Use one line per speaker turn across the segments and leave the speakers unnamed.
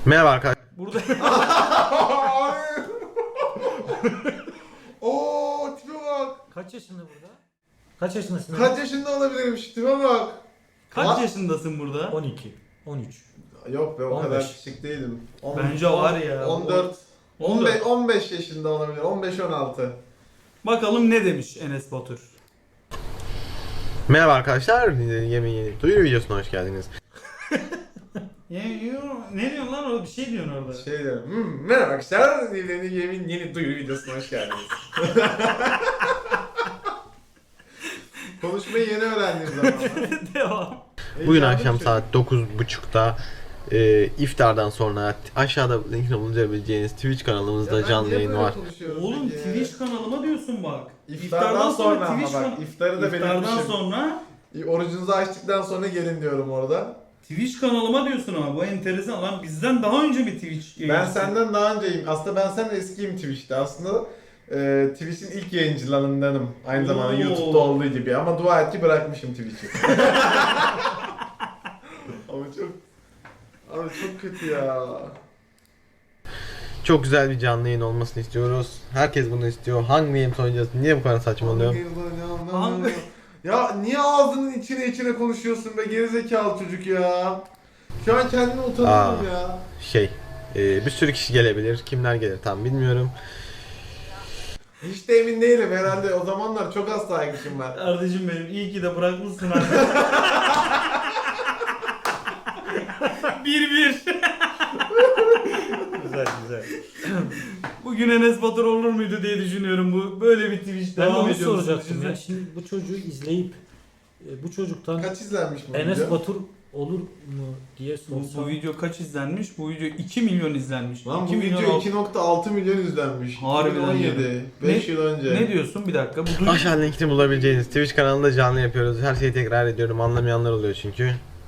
Merhaba arkadaşlar.
Burada
Oo, tipe bak.
Kaç yaşında burada? Kaç yaşındasın?
Kaç yaşında olabilirim şu tipe bak.
kaç
Lan.
yaşındasın burada?
12, 13.
Yok be, o
15.
kadar küçük değilim.
Bence var ya.
14,
14.
15 yaşında olabilir. 15-16.
Bakalım ne demiş Enes Batur.
Merhaba arkadaşlar. Yeni duyuru videosuna hoş geldiniz.
Ne diyorsun lan orada? Bir şey diyorsun orada.
Şey diyorum. Merhaba arkadaşlar. Yeni duyuru videosuna hoş geldiniz. Konuşmayı yeni öğrendiğim zaman.
Devam.
Bugün akşam saat 9.30'da iftardan sonra aşağıda linkini bulabileceğiniz Twitch kanalımızda canlı yayın var.
Oğlum Twitch kanalıma diyorsun bak.
İftardan sonra ama
Twitch
bak, iftarı da
İftardan
belirtmişim.
sonra
Orucunuzu açtıktan sonra gelin diyorum orada.
Twitch kanalıma diyorsun ama bu enteresan lan, bizden daha önce bir Twitch
Ben
yayıncısı.
senden daha önceyim. Aslında ben senden eskiyim Twitch'te. Aslında Twitch'in ilk yayıncılarındanım. Aynı zamanda
Oo.
YouTube'da olduğu gibi. Ama dua et ki bırakmışım Twitch'i. Abi çok kötü ya.
Çok güzel bir canlı yayın olmasını istiyoruz. Herkes bunu istiyor. Hangi game oynayacağız? Niye bu kadar saçmalıyor?
Hangi-
Ya niye ağzının içine konuşuyorsun be gerizekalı çocuk ya. Şu an kendimi utanıyorum ya.
Bir sürü kişi gelebilir. Kimler gelir tam bilmiyorum.
Hiç de emin değilim herhalde. O zamanlar çok az takipçim var.
Kardeşim benim, iyi ki de bırakmışsın abi. 1-1.
Güzel güzel.
Bugün Enes Batur olur muydu diye düşünüyorum, bu böyle bir Twitch
Ben
devam
onu
ediyor musun?
soracaktım ya.
Düşünsene.
Şimdi bu çocuğu izleyip bu çocuktan
Kaç izlenmiş bu
Enes
video?
Batur olur mu diye
Bu
sorsam.
video kaç izlenmiş? Bu video 2 milyon izlenmiş.
Lan bu
2 milyon
video
alt-
2.6 milyon izlenmiş.
Harbiden
2017. 5 yıl önce.
Ne diyorsun bir dakika? Bu
Aşağı linkini bulabileceğiniz Twitch kanalında canlı yapıyoruz. Her şeyi tekrar ediyorum. Anlamayanlar oluyor çünkü.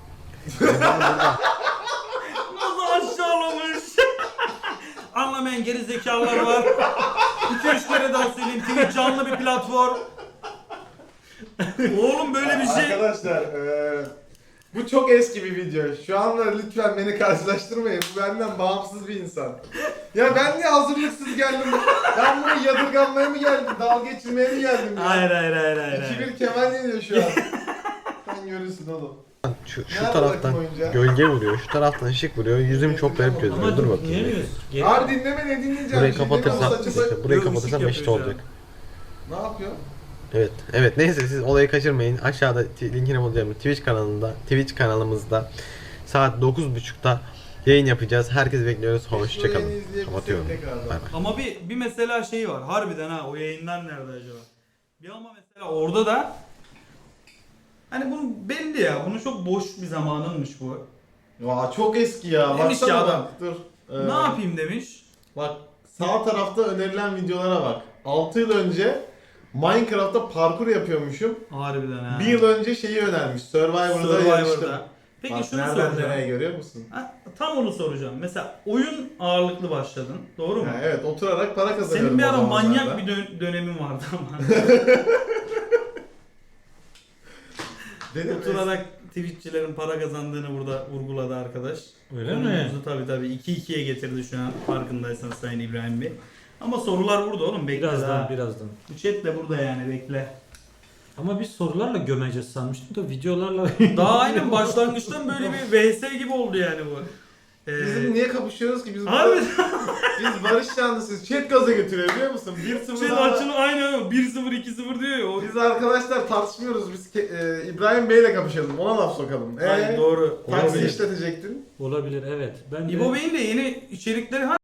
nasıl aşağılamış? Anlamayan geri zekalar var. 2-3 kere daha söyleyeyim, Twitch canlı bir platform. Oğlum böyle bir şey.
Arkadaşlar bu çok eski bir video. Şu anda lütfen beni karşılaştırmayın. Bu benden bağımsız bir insan. Ya ben niye hazırlıksız geldim? Ben bunu yadırganmaya mı geldim? Dalga geçirmeye mi geldim ya?
Hayır.
2-1 Kemal yeniyor şu an. Sen görürsün oğlum.
Şu
Nerede
taraftan
bakayım oyuncağı?
gölge vuruyor. Şu taraftan ışık vuruyor. Yüzüm çok garip gözüküyor.
Ama
Dur bakayım.
dinleyemiyoruz. Geri-
Abi dinleme ne dinleyeceğim?
Burayı
Bir şey
kapatırsam,
demiyorum, saçma
bir dakika, burayı
Yok,
kapatırsam
ışık
eşit
yapıyor
olacak.
Ne yapıyor?
Evet neyse siz olayı kaçırmayın. Aşağıda linkini bulacağım Twitch kanalımızda saat 9.30'da yayın yapacağız. Herkes bekliyoruz. Hoşçakalın.
Yayını izleyebilsek
Kapatıyorum.
tekrardan.
Bay bay.
Ama bir mesela şey var. Harbiden ha, o yayınlar nerede acaba? Bir ama mesela orada da hani bunun belli ya. Bunun çok boş bir zamanınmış bu.
Ya çok eski ya.
Demiş
Baksana
ki
bak,
adam.
dur.
Ne yapayım demiş.
Bak sağ tarafta önerilen videolara bak. 6 yıl önce Minecraft'ta parkur yapıyormuşum.
Harbiden ha.
1 yıl önce şeyi önermiş. Survivor'da yarıştım.
Survivor'da. Peki
Bak,
şunu
nereden
soracağım.
nereye görüyor musun?
Ha, tam onu soracağım. Mesela oyun ağırlıklı başladın. Doğru mu?
Ha, evet, oturarak para kazanıyorum.
Senin bir
o
ara
zamanlarda.
manyak bir dönemin vardı ama.
Dedim,
Oturarak Twitch'çilerin para kazandığını burada vurguladı arkadaş.
Öyle mi?
Konumuzu tabii 2-2'ye getirdi şu an, farkındaysan Sayın İbrahim Bey. Ama sorular burada oğlum, bekle daha.
Birazdan.
Bu chat de burada yani, bekle.
Ama biz sorularla gömeceğiz sanmıştım da videolarla.
Daha aynen başlangıçtan böyle bir VS gibi oldu yani bu.
Bizim niye kapışıyoruz ki? Biz
Abi
biz barış yanlısıyız. Chat gaza götürüyor biliyor musun? 1-0
şey
daha-
açını aynen 1-0 2-0 diyor ya. O...
Biz arkadaşlar tartışmıyoruz. Biz İbrahim Bey'le kapışalım. Ona laf sokalım.
Ay, doğru.
Taksi
Olabilir.
işletecektin.
Olabilir evet. Ben de
İbo Bey'in de yeni içerikleri